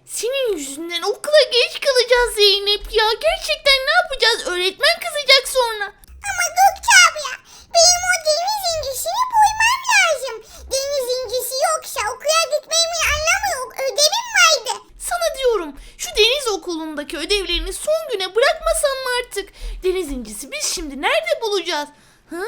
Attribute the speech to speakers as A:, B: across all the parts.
A: Senin yüzünden okula geç kalacağız Zeynep ya. Gerçekten ne yapacağız? Öğretmen kızacak sonra.
B: Ama Gökçe abla, benim o deniz incisini bulmam lazım. Deniz incisi yoksa okula gitmemin anlamı yok. Ödevim vardı.
A: Sana diyorum, şu deniz okulundaki ödevlerini son güne bırakmasan mı artık? Deniz incisi biz şimdi nerede bulacağız? Hı?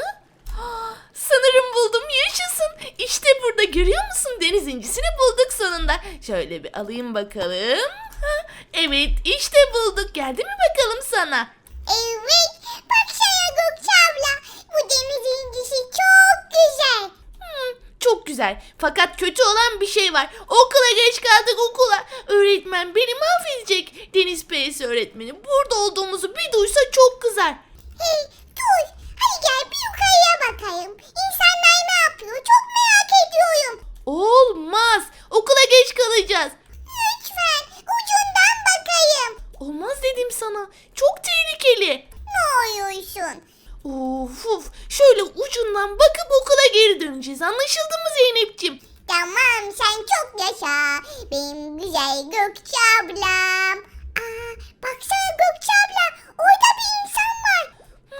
A: Sanırım buldum, yaşasın. İşte burada, görüyor musun? Deniz incisini bulduk sonunda. Şöyle bir alayım bakalım. Evet, işte bulduk. Geldi mi bakalım sana?
B: Evet, baksana Gökçe abla. Bu deniz incisi çok güzel.
A: Çok güzel. Fakat kötü olan bir şey var. Okula geç kaldık, okula. Öğretmen beni mahvedecek. Deniz PS öğretmeni burada olduğumuzu bir duysa çok kızar.
B: Hey, dur. Hadi gel bir yukarıya bakayım. İnsanlar ne yapıyor? Çok merak ediyorum.
A: Olmaz. Okula geç kalacağız.
B: Lütfen ucundan bakayım.
A: Olmaz dedim sana. Çok tehlikeli.
B: Ne oluyorsun?
A: Of. Şöyle ucundan bakıp okula geri döneceğiz. Anlaşıldı mı Zeynep'ciğim?
B: Tamam, sen çok yaşa. Benim güzel Gökçe ablam. Baksana Gökçe abla. Orada bir insan var.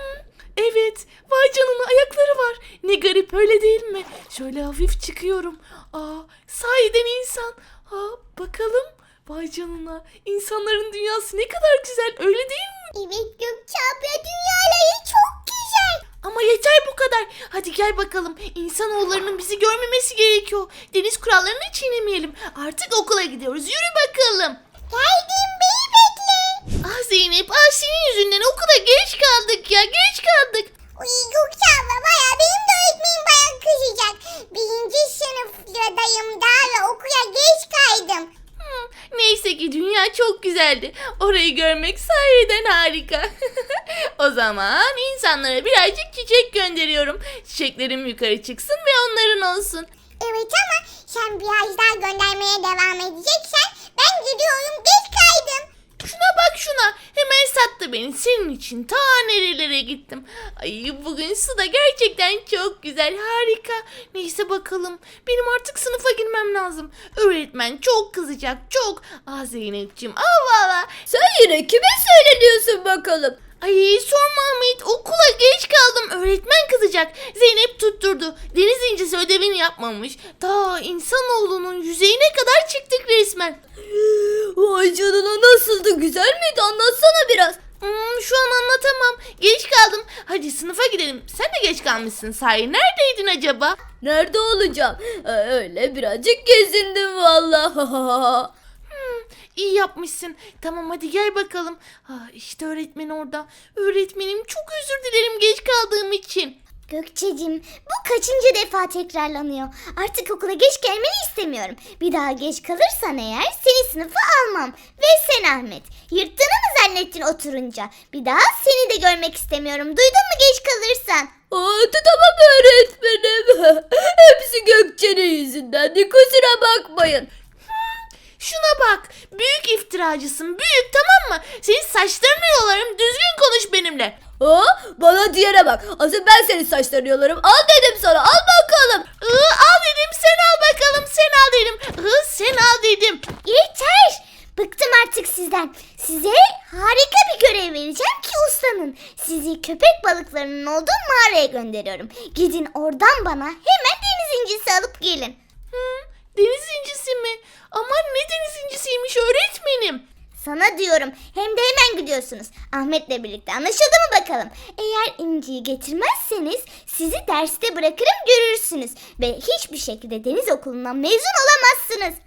A: Evet. Vay canına, ayakları var. Ne garip, öyle değil mi? Şöyle hafif çıkıyorum. Sahiden insan. Bakalım. Vay canına. İnsanların dünyası ne kadar güzel, öyle değil mi?
B: Evet Gökçe abla, dünyaları çok güzel.
A: Ama yeter bu kadar. Hadi gel bakalım. İnsanoğullarının bizi görmemesi gerekiyor. Deniz kurallarını çiğnemeyelim. Artık okula gidiyoruz. Yürü bakalım.
B: Geldim, beni bekle.
A: Zeynep, senin yüzünden okula geç kaldık ya. Geç kaldık.
B: Uy Gökçe abla, baya benim de öğretmenim baya kızacak. Birinci sınıftayım daha ve okula geç kaydım.
A: Neyse ki dünya çok güzeldi. Orayı görmek sahiden harika. O zaman insanlara birazcık çiçek gönderiyorum. Çiçeklerim yukarı çıksın ve onların olsun.
B: Evet ama sen biraz daha göndermeye devam edeceksen ben gidiyorum, geç kaydım.
A: Şuna bak şuna. Hemen sattı beni. Senin için ta nerelere gittim. Ay, bugün su da gerçekten çok güzel. Harika. Neyse bakalım. Benim artık sınıfa girmem lazım. Öğretmen çok kızacak. Çok. Zeynep'ciğim. Valla.
C: Sen yine kime söyleniyorsun bakalım?
A: Ay sorma Ahmet. Okula geç kaldım. Öğretmen kızacak. Zeynep tutturdu. Deniz incisi ödevini yapmamış. Ta insanoğlunun yüzeyine kadar çıktık resmen.
C: Vay canına, nasıldı, güzel miydi, anlatsana biraz.
A: Şu an anlatamam. Geç kaldım. Hadi sınıfa gidelim. Sen de geç kalmışsın sahi. Neredeydin acaba?
C: Nerede olacağım? Öyle birazcık gezindim valla.
A: İyi yapmışsın. Tamam hadi gel bakalım. İşte öğretmen orada. Öğretmenim çok özür dilerim geç kaldığım için.
B: Gökçeciğim, bu kaçıncı defa tekrarlanıyor. Artık okula geç gelmeni istemiyorum. Bir daha geç kalırsan eğer seni sınıfa almam. Ve sen Ahmet, yırttığını mı zannettin oturunca? Bir daha seni de görmek istemiyorum. Duydun mu geç kalırsan?
C: Tamam öğretmenim. Hepsi Gökçe'nin yüzünden. Kusura bakmayın.
A: Şuna bak. Büyük iftiracısın. Büyük, tamam mı? Senin saçlarını yolarım. Düzgün konuş benimle.
C: Bana diyene bak. Asıl ben senin saçlarını yolarım. Al dedim sana, al bakalım.
A: Al dedim, sen al bakalım. Sen al dedim. Sen al dedim.
B: Yeter! Bıktım artık sizden. Size harika bir görev vereceğim ki uslanın. Sizi köpek balıklarının olduğu mağaraya gönderiyorum. Gidin oradan bana hemen deniz incisi alıp gelin.
A: Deniz incisi mi? Aman ne deniz incisiymiş öğretmenim.
B: Sana diyorum, hem de hemen gidiyorsunuz. Ahmet'le birlikte, anlaşıldı mı bakalım? Eğer inciyi getirmezseniz sizi derste bırakırım, görürsünüz. Ve hiçbir şekilde deniz okulundan mezun olamazsınız.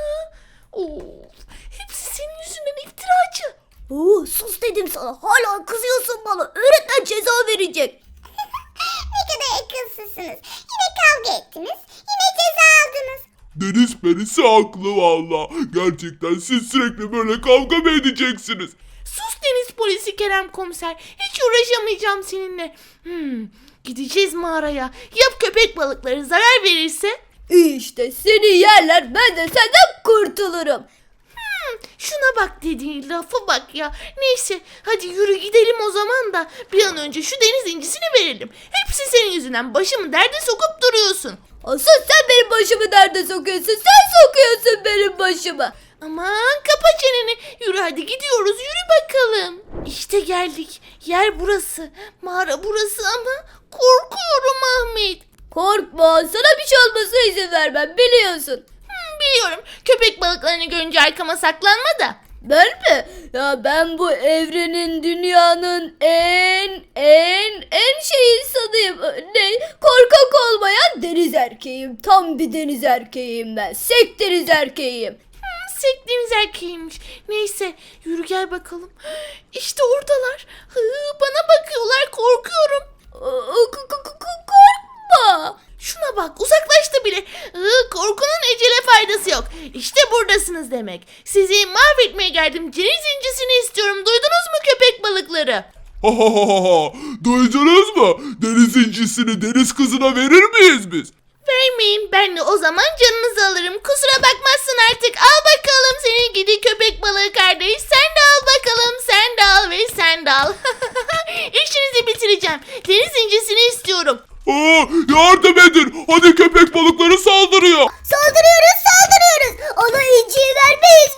A: Hepsi senin yüzünden, iftiracı.
C: Sus dedim sana, hala kızıyorsun bana. Öğretmen ceza verecek.
B: Ne kadar akılsızsınız. Yine kavga ettiniz, yine ceza aldınız.
D: Deniz perisi haklı valla. Gerçekten siz sürekli böyle kavga mı edeceksiniz?
A: Sus deniz polisi Kerem komiser. Hiç uğraşamayacağım seninle. Gideceğiz mağaraya. Ya köpek balıkları zarar verirse?
C: İşte seni yerler, ben de senden kurtulurum.
A: Şuna bak dediğin lafa bak ya. Neyse hadi yürü gidelim o zaman da bir an önce şu deniz incisini verelim. Hepsi senin yüzünden, başımı derde sokup duruyorsun.
C: Asıl sen benim başımı derde sokuyorsun. Sen sokuyorsun benim başımı.
A: Aman kapa çeneni. Yürü hadi gidiyoruz, yürü bakalım. İşte geldik. Yer burası. Mağara burası ama korkuyorum Ahmet.
C: Korkma, sana bir şey olmasına izin vermem, biliyorsun.
A: Biliyorum, köpek balıklarını görünce arkama saklanma da.
C: Ben mi? Ya ben bu evrenin, dünyanın en şey insanıyım. Ne? Korkak olmayan deniz erkeğim. Tam bir deniz erkeğiyim ben. Sek deniz erkeğiyim.
A: Sektiğiniz erkeğiymiş. Neyse yürü gel bakalım. İşte oradalar. Bana bakıyorlar, korkuyorum.
C: Korkma.
A: Şuna bak, uzaklaştı bile. Korkunun ecele faydası yok. İşte buradasınız demek. Sizi mahvetmeye geldim. Deniz incisini istiyorum. Duydunuz mu köpek balıkları?
D: Ha ha ha ha. Duydunuz mu? Deniz incisini deniz kızına verir miyiz biz?
A: Vermeyin, ben de o zaman canınızı alırım. Kusura bakmazsın artık. Al bakalım seni gidi köpek balığı kardeş. Sen de al bakalım, sen de al ve sen de al. İşinizi bitireceğim. Deniz incisini istiyorum.
D: Aa, yardım edin. Hadi köpek balıkları saldırıyor.
B: Saldırıyoruz. Ona inciyi vermeyiz.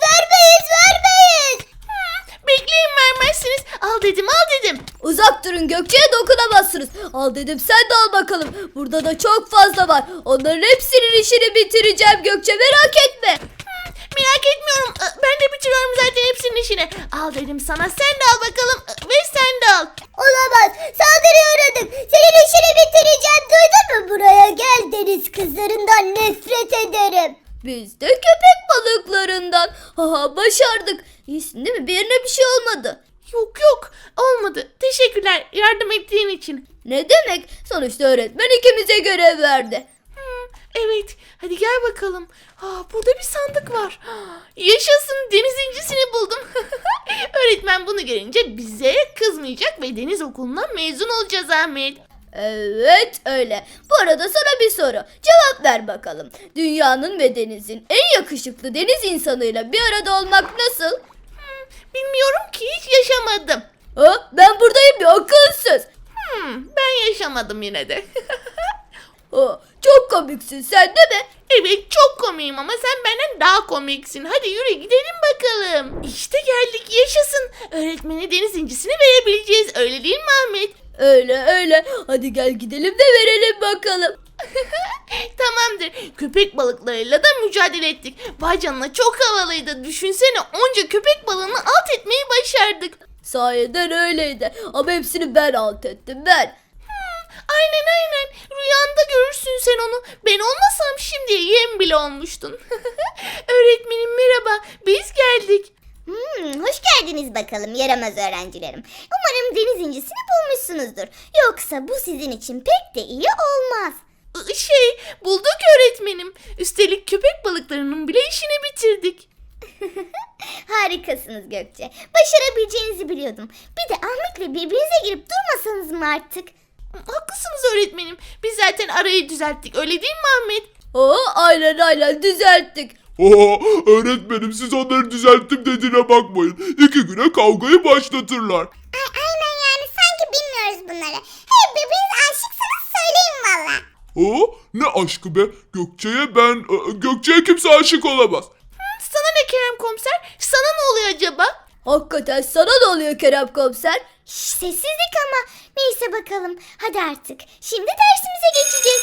A: Bekleyin, vermezsiniz. Al dedim.
C: Uzak durun, Gökçe'ye dokunamazsınız. Al dedim, sen de al bakalım. Burada da çok fazla var. Onların hepsinin işini bitireceğim Gökçe, merak etme.
A: Merak etmiyorum. Ben de bitiriyorum zaten hepsinin işini. Al dedim sana, sen de al bakalım ve sen de al.
B: Olamaz. Saldırıyorum. Senin işini bitireceğim. Duydun mu? Buraya gel, deniz kızlarından nefret ederim.
C: Biz de köpek balıklarından. Haha, başardık. İyisin değil mi? Bir yerine bir şey olmadı.
A: Yok olmadı. Teşekkürler yardım ettiğin için.
C: Ne demek? Sonuçta öğretmen ikimize görev verdi.
A: Evet, hadi gel bakalım. Burada bir sandık var. Yaşasın, deniz incisini buldum. Öğretmen bunu görünce bize kızmayacak ve deniz okulundan mezun olacağız Ahmet.
C: Evet öyle. Bu arada sana bir soru. Cevap ver bakalım. Dünyanın ve denizin en yakışıklı deniz insanıyla bir arada olmak nasıl?
A: Bilmiyorum ki, hiç yaşamadım.
C: Ha, ben buradayım ya, akılsız.
A: Ben yaşamadım yine de.
C: Ha, çok komiksin sen değil mi?
A: Evet, çok komiyim ama sen benden daha komiksin. Hadi yürü gidelim bakalım. İşte geldik, yaşasın. Öğretmene deniz incisini verebileceğiz. Öyle değil mi Ahmet?
C: Öyle. Hadi gel gidelim de verelim bakalım.
A: Tamamdır. Köpek balıklarıyla da mücadele ettik. Vay canına, çok havalıydı. Düşünsene, onca köpek balığını alt etmeyi başardık.
C: Sayeden öyleydi. Ama hepsini ben alt ettim, ben.
A: Aynen. Rüyanda görürsün sen onu. Ben olmasam şimdiye yem bile olmuştun. Öğretmenim merhaba. Biz geldik.
B: Hoş geldiniz bakalım yaramaz öğrencilerim. Umarım deniz incisini bulmuşsunuzdur. Yoksa bu sizin için pek de iyi olmaz.
A: Bulduk öğretmenim. Üstelik köpek balıklarının bile işini bitirdik.
B: Harikasınız Gökçe. Başarabileceğinizi biliyordum. Bir de Ahmet'le birbirinize girip durmasanız mı artık?
A: Haklısınız öğretmenim. Biz zaten arayı düzelttik. Öyle değil mi Ahmet?
C: Aynen düzelttik.
D: Aa, öğretmenim siz onları düzelttim dediğine bakmayın. 2 güne kavgayı başlatırlar.
B: Aynen yani sanki bilmiyoruz bunları. Hey birbirinize aşıksanız söyleyin valla.
D: Aa, ne aşkı be? Gökçe'ye kimse aşık olamaz.
A: Sana ne Kerem komiser? Sana ne oluyor acaba?
C: Hakikaten sana ne oluyor Kerem komiser?
B: Sessizlik ama. Neyse bakalım. Hadi artık. Şimdi dersimize geçeceğiz.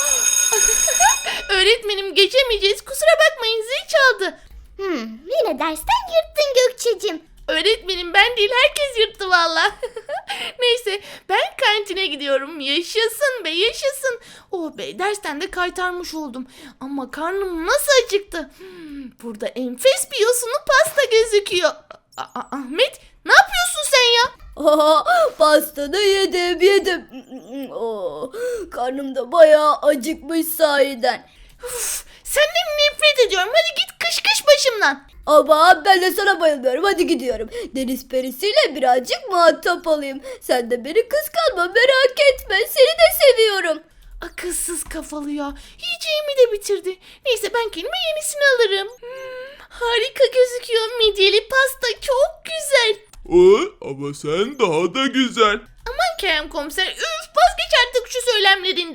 A: Öğretmenim geçemeyeceğiz. Kusura bakmayın, zil çaldı.
B: Yine dersten yırttın Gökçe'cim.
A: Öğretmenim ben değil, herkes yırttı valla. Neyse ben kantine gidiyorum. Yaşasın be, yaşasın. Oh be, dersten de kaytarmış oldum. Ama karnım nasıl acıktı. Burada enfes bir yosunlu pasta gözüküyor. Ahmet, ne yapıyorsun sen ya?
C: Pastanı yedim. Karnım da bayağı acıkmış sahiden.
A: Senden nefret ediyorum. Hadi git kış başımdan.
C: Ama ben de sana bayılıyorum. Hadi gidiyorum. Deniz perisiyle birazcık muhatap olayım. Sen de beni kıskanma, merak etme. Seni de seviyorum.
A: Akılsız kafalı ya. Yiyeceğimi de bitirdi. Neyse ben kendime yenisini alırım. Harika gözüküyor. Midyeli pasta çok güzel.
D: Ama sen daha da güzel.
A: Aman Kerem komiser, vazgeç artık şu söylemlerinden.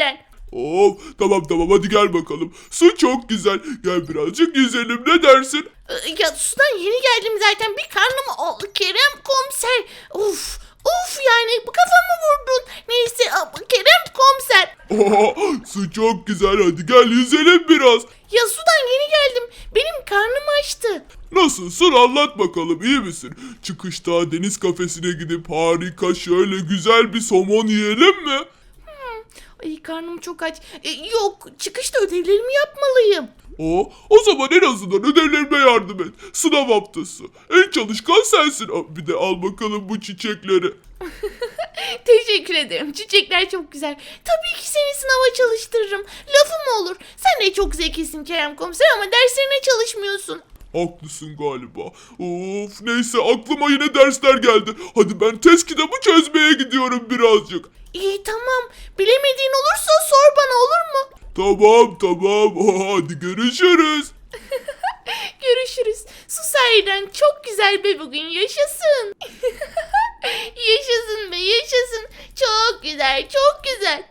D: Tamam hadi gel bakalım. Su çok güzel. Gel birazcık yüzelim, ne dersin?
A: Ya sudan yeni geldim zaten, bir karnım oldu Kerem komiser. Of yani bu kafamı vurdun. Neyse Kerem komiser.
D: Su çok güzel, hadi gel yüzelim biraz.
A: Ya sudan yeni geldim. Benim karnım açtı.
D: Nasılsın, anlat bakalım, iyi misin? Çıkışta deniz kafesine gidip harika şöyle güzel bir somon yiyelim mi?
A: Ay karnım çok aç. Yok, çıkışta ödevlerimi yapmalıyım.
D: O zaman en azından ödevlerime yardım et. Sınav haftası. En çalışkan sensin. Bir de al bakalım bu çiçekleri.
A: Teşekkür ederim. Çiçekler çok güzel. Tabii ki seni sınava çalıştırırım. Lafım olur. Sen de çok zekisin Kerem komiser ama derslerine çalışmıyorsun.
D: Haklısın galiba. Neyse, aklıma yine dersler geldi. Hadi ben test kitabı çözmeye gidiyorum birazcık.
A: İyi tamam. Bilemediğin olursa sor bana, olur mu?
D: Tamam. Hadi görüşürüz.
A: Görüşürüz. Su sahiden çok güzel be bugün. Yaşasın. Yaşasın be, yaşasın. Çok güzel, çok güzel.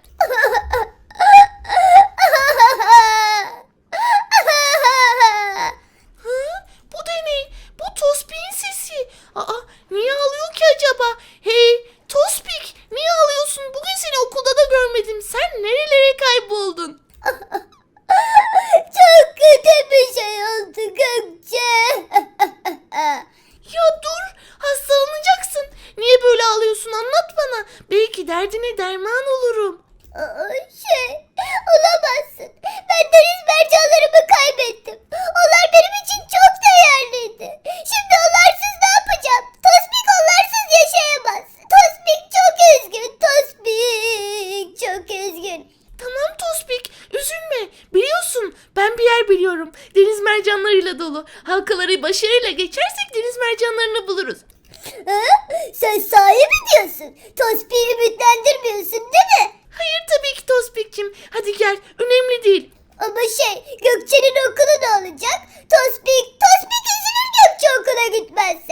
A: Bu da ne? Bu Tospik'in sesi. Niye ağlıyor ki acaba? Hey Tospik, niye ağlıyorsun? Bugün seni okulda da görmedim. Sen nerelere kayboldun?
B: Çok kötü bir şey oldu Gökçe.
A: Ya dur, hastalanacaksın. Niye böyle ağlıyorsun, anlat bana. Belki derdine derman olurum.
B: Olamazsın. Ben deniz mercanlarımı kaybettim. Onlar benim için çok değerliydi. Şimdi onlarsız ne yapacağım? Tospik onlarsız yaşayamaz. Tospik çok üzgün. Tospik çok üzgün.
A: Tamam Tospik, üzülme. Biliyorsun, ben bir yer biliyorum. Deniz mercanlarıyla dolu. Halkaları başarıyla geçersek deniz mercanlarını buluruz.
B: Sen sahi mi diyorsun? Tospik'i ümitlendirmiyorsun değil mi?
A: Hayır tabii ki Tospik'cim. Hadi gel, önemli değil.
B: Ama Gökçe'nin okulu ne olacak? Tospik üzülür Gökçe okula gitmezse.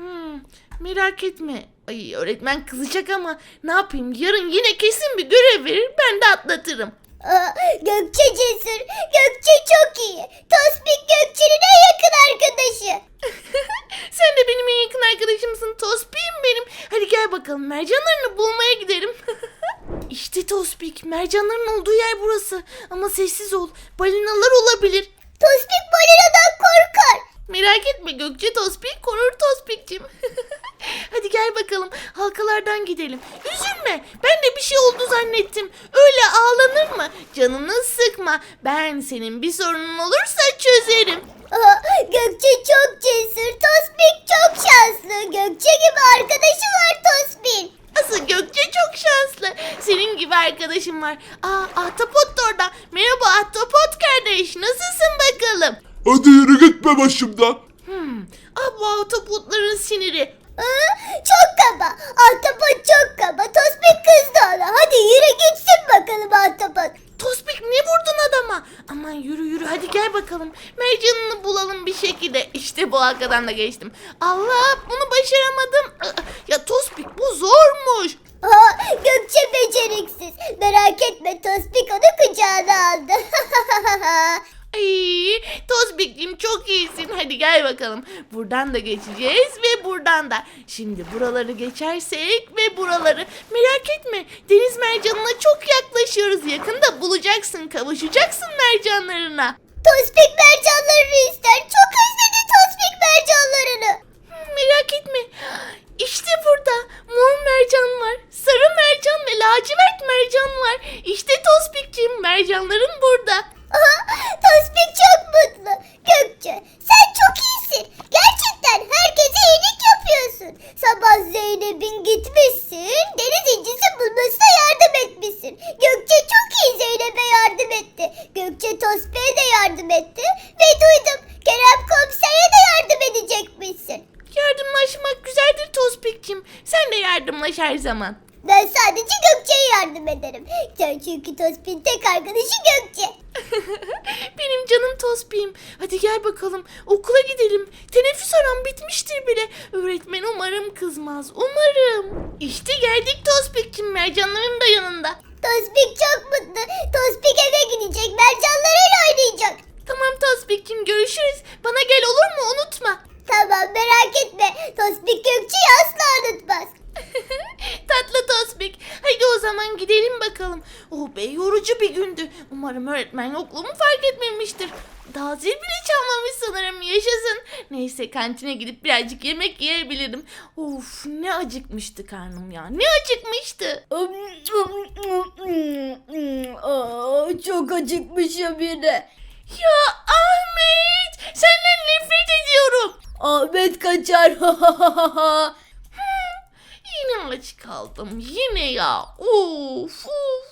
A: Merak etme. Ay öğretmen kızacak ama ne yapayım, yarın yine kesin bir görev verir, ben de atlatırım.
B: Gökçe cesur. Gökçe çok iyi. Tospik Gökçe'nin en yakın arkadaşı.
A: Sen de benim en yakın arkadaşımsın Tospik'im benim. Hadi gel bakalım, mercanlarını bulmaya gidelim. İşte Tospik, mercanların olduğu yer burası. Ama sessiz ol, balinalar olabilir.
B: Tospik balinadan korkar.
A: Merak etme Gökçe, Tospik korur Tospik'cim. Hadi gel bakalım, halkalardan gidelim. Üzülme, ben de bir şey oldu zannettim. Öyle ağlanır mı? Canını sıkma. Ben senin bir sorunun olursa çözerim.
B: Gökçe çok cesur. Tospik çok şanslı. Gökçe gibi arkadaşı var Tospik.
A: Asıl Gökçe çok şanslı. Senin gibi arkadaşım var. Ahtapot da orada. Merhaba Ahtapot kardeş, nasılsın bakalım?
D: Hadi yürü gitme başımdan.
A: Bu ahtapotların siniri.
B: Çok kaba. Ahtapot çok kaba. Tospik kızdı ona. Hadi yürü gitsin bakalım Ahtapot.
A: Tospik, ne vurdun adama? Aman yürü hadi gel bakalım. Mercanını bulalım bir şekilde. İşte bu halkadan da geçtim. Allah, bunu başaramadım. Ya Tospik, bu zormuş.
B: Gökçe beceriksiz. Merak etme Tospik onu kucağına aldı.
A: Ay, Tospik'cim çok iyisin. Hadi gel bakalım. Buradan da geçeceğiz ve buradan da. Şimdi buraları geçersek ve buraları. Merak etme, deniz mercanına çok yaklaşıyoruz. Yakında bulacaksın, kavuşacaksın mercanlarına.
B: Tospik mercanlarını ister. Çok özledi Tospik mercanlarını.
A: Merak etme. İşte burada mor mercan var, sarı mercan ve lacivert mercan var. İşte Tospik'cim, mercanların burada.
B: Tospik çok mutlu. Gökçe sen çok iyisin. Gerçekten herkese iyilik yapıyorsun. Sabah Zeynep'in gitmişsin. Deniz incisi bulmasına yardım etmişsin. Gökçe çok iyi Zeynep'e yardım etti. Gökçe Tospik'e de yardım etti. Ve duydum Kerem komisere de yardım edecekmişsin.
A: Yardımlaşmak güzeldir Tospik'cim. Sen de yardımlaş her zaman.
B: Ben sadece Gökçe'ye yardım ederim. Çünkü Tospik'in tek arkadaşı Gökçe.
A: Benim canım Tospik'im. Hadi gel bakalım, okula gidelim. Teneffüs aram bitmiştir bile. Öğretmen umarım kızmaz. Umarım. İşte geldik Tospik'cim, mercanların da yanında.
B: Tospik çok mutlu. Tospik eve gidecek. Mercanlarıyla oynayacak.
A: Tamam Tospik'cim, görüşürüz. Bana gel, olur mu? Unutma.
B: Tamam, merak etme. Tospik Gökçe'yi asla unutmaz.
A: Tatlı Tospik. Hadi o zaman gidelim bakalım. Oh be, yorucu bir gündü. Umarım öğretmen yokluğumu fark etmemiştir. Daha zil bile çalmamış sanırım, yaşasın. Neyse, kantine gidip birazcık yemek yiyebilirim. Of, ne acıkmıştı karnım ya, ne acıkmıştı.
C: Çok acıkmışım yine.
A: Ya Ahmet, senden nefret ediyorum.
C: Ahmet kaçar.
A: Yine aç kaldım, yine ya. Of of.